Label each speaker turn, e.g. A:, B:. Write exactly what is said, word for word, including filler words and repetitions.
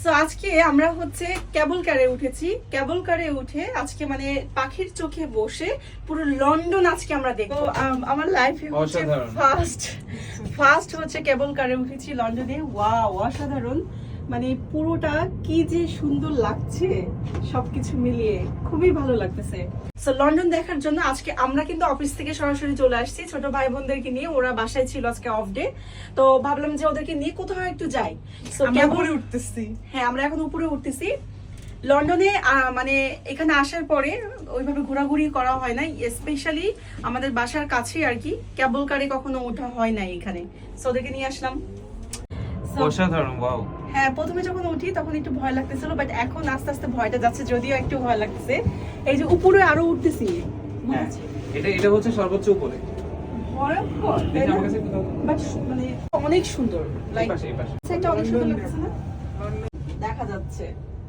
A: তো আজকে আমরা হচ্ছে কেবল কারে উঠেছি। কেবল কারে উঠে আজকে মানে পাখির চোখে বসে পুরো লন্ডন আজকে আমরা দেখবো। আমার লাইফে হচ্ছে ফার্স্ট ফার্স্ট হচ্ছে কেবল কারে উঠেছি লন্ডনে। ওয়াও, অসাধারণ! মানে পুরোটা কি যে সুন্দর লাগছে, সবকিছু মিলিয়ে খুবই ভালো লাগতেছে। সো লন্ডন দেখার জন্য আজকে আমরা কিন্তু অফিস থেকে সরাসরি চলে আসছি ছোট ভাই বোনদেরকে নিয়ে। ওরা বাসায় ছিল আজকে অফ ডে, তো ভাবলাম যে ওদেরকে নিয়ে কোথাও একটু যাই। সো কেবল উঠতেছি। হ্যাঁ, আমরা এখন উপরে উঠতেছি। লন্ডনে মানে এখানে আসার পরে ওইভাবে ঘোরাঘুরি করা হয় নাই, স্পেশালি আমাদের বাসার কাছে আর কি কেবল কারে কখনো ওঠা হয় নাই এখানে। সো ওদেরকে নিয়ে আসলাম।
B: অসাধারণ, ওয়াও।
A: হ্যাঁ, প্রথমে যখন উঠি তখন একটু ভয় লাগতেছিল, বাট এখন আস্তে আস্তে ভয়টা যাচ্ছে, যদিও একটু ভয় লাগতেছে। এই যে উপরে আরো উঠতেছি,
B: হ্যাঁ, এটা এটা হচ্ছে সর্বোচ্চ উপরে।
A: ভয়ঙ্কর, তাই না? বাট মানে অনেক সুন্দর, লাইক
B: এই পাশে এই পাশে
A: সেটা অনেক সুন্দর লাগছে না? দেখা যাচ্ছে